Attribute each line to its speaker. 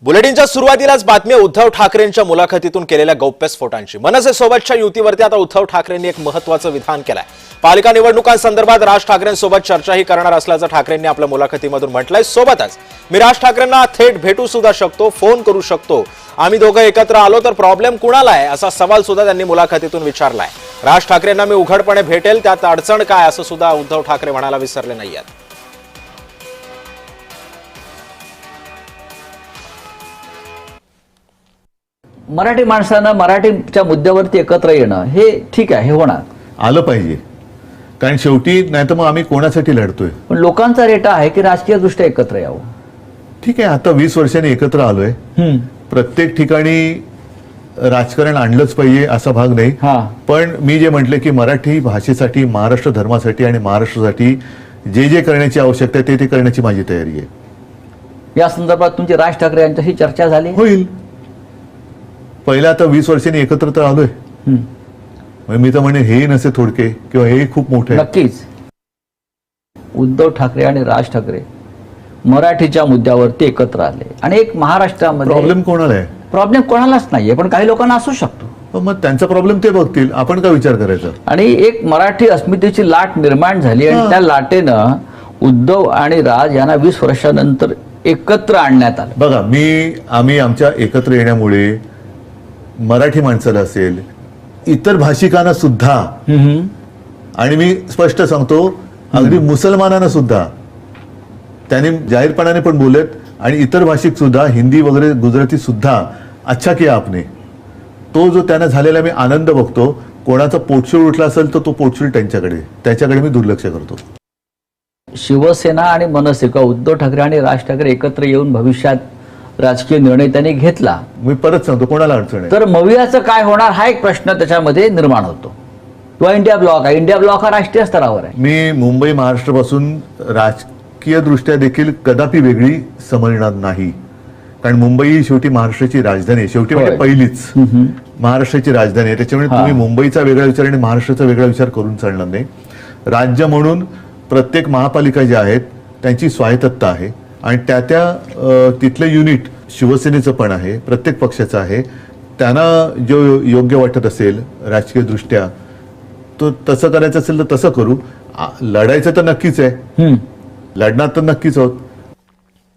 Speaker 1: बुलेटिनच्या सुरुवातीलाच बातमी उद्धव ठाकरेंच्या मुलाखतीतून केलेल्या गौप्यस्फोटांची। मनसेसोबतच्या युतीवरती आता उद्धव ठाकरेंनी एक महत्त्वाचं विधान केलंय। पालिका निवडणुकांसंदर्भात राज ठाकरेंसोबत चर्चाही करणार असल्याचं ठाकरेंनी आपल्या मुलाखतीमधून म्हटलंय। सोबतच मी राज ठाकरेंना थेट भेटू सुद्धा शकतो, फोन करू शकतो, आम्ही दोघं एकत्र आलो तर प्रॉब्लेम कुणाला आहे असा सवाल सुद्धा त्यांनी मुलाखतीतून विचारलाय। राज ठाकरेंना मी उघडपणे भेटेल त्यात अडचण काय असं सुद्धा उद्धव ठाकरे म्हणायला विसरले नाहीयेत।
Speaker 2: मराठी माणसानं मराठीच्या मुद्द्यावरती एकत्र येणं हे ठीक आहे, हे होणार
Speaker 3: आलं पाहिजे, कारण शेवटी नाही तर मग आम्ही कोणासाठी लढतोय।
Speaker 2: पण लोकांचा रेटा आहे की राजकीय दृष्ट्या एकत्र यावं।
Speaker 3: ठीक आहे, आता 20 वर्षांनी एकत्र आलोय, प्रत्येक ठिकाणी राजकारण आणलंच पाहिजे असा भाग नाही। पण मी जे म्हटले की मराठी भाषेसाठी, महाराष्ट्र धर्मासाठी आणि महाराष्ट्रासाठी जे जे करण्याची आवश्यकता आहे ते करण्याची माझी तयारी आहे।
Speaker 2: या संदर्भात तुमची राज ठाकरे यांच्याशी चर्चा झाली?
Speaker 3: होईल। पहिला आता 20 वर्षांनी एकत्र तर आलोय, मी तर म्हणे हे नसे थोडके किंवा हे खूप मोठे।
Speaker 2: नक्कीच उद्धव ठाकरे आणि राज ठाकरे मराठीच्या मुद्द्यावरती एकत्र आले आणि एक महाराष्ट्रामध्ये
Speaker 3: प्रॉब्लेम कोणाला आहे?
Speaker 2: प्रॉब्लेम कोणालाच नाहीये, पण काही लोकांना असू शकतो।
Speaker 3: मग त्यांचा प्रॉब्लेम ते बघतील, आपण काय विचार करायचा? आणि
Speaker 2: एक मराठी अस्मितेची लाट निर्माण झाली आणि त्या लाटेनं उद्धव आणि राज यांना 20 वर्षानंतर एकत्र आणण्यात आलं।
Speaker 3: बघा, आम्ही आमच्या एकत्र येण्यामुळे मराठी माणसाला असेल, इतर भाषिकांना सुद्धा, आणि मी स्पष्ट सांगतो अगदी मुसलमानांना सुद्धा, त्यांनी जाहीरपणाने पण बोलत, आणि इतर भाषिक सुद्धा, हिंदी वगैरे गुजराती सुद्धा, अच्छा किया आपने, तो जो त्यांना झालेला मी आनंद बघतो। कोणाचा पोटशूळ उठला असेल तर तो पोटशूळ त्याच्याकडे मी दुर्लक्ष करतो।
Speaker 2: शिवसेना आणि मनसे का उद्धव ठाकरे आणि राज ठाकरे एकत्र येऊन भविष्यात राजकीय निर्णय त्यांनी घेतला,
Speaker 3: मी परत सांगतो कोणाला अडचण आहे
Speaker 2: तर मवियाचं काय होणार हा एक प्रश्न त्याच्यामध्ये निर्माण होतो। किंवा इंडिया ब्लॉक आहे, इंडिया ब्लॉक हा राष्ट्रीय स्तरावर आहे।
Speaker 3: मी मुंबई महाराष्ट्रापासून राजकीय दृष्ट्या देखील कदापि वेगळी समजणार नाही, कारण मुंबई ही शेवटी महाराष्ट्राची राजधानी आहे, शेवटी म्हणजे पहिलीच महाराष्ट्राची राजधानी आहे। त्याच्यामुळे तुम्ही मुंबईचा वेगळा विचार आणि महाराष्ट्राचा वेगळा विचार करून चालणार नाही। राज्य म्हणून प्रत्येक महापालिका ज्या आहेत त्यांची स्वायत्तता आहे, आणि त्या तिथलं युनिट शिवसेनेचं पण आहे, प्रत्येक पक्षाचं आहे। त्यांना जो योग्य वाटत असेल राजकीय दृष्ट्या तो तसं करायचं असेल तर तसं करू। लढायचं तर नक्कीच आहे, लढणार तर नक्कीच आहोत,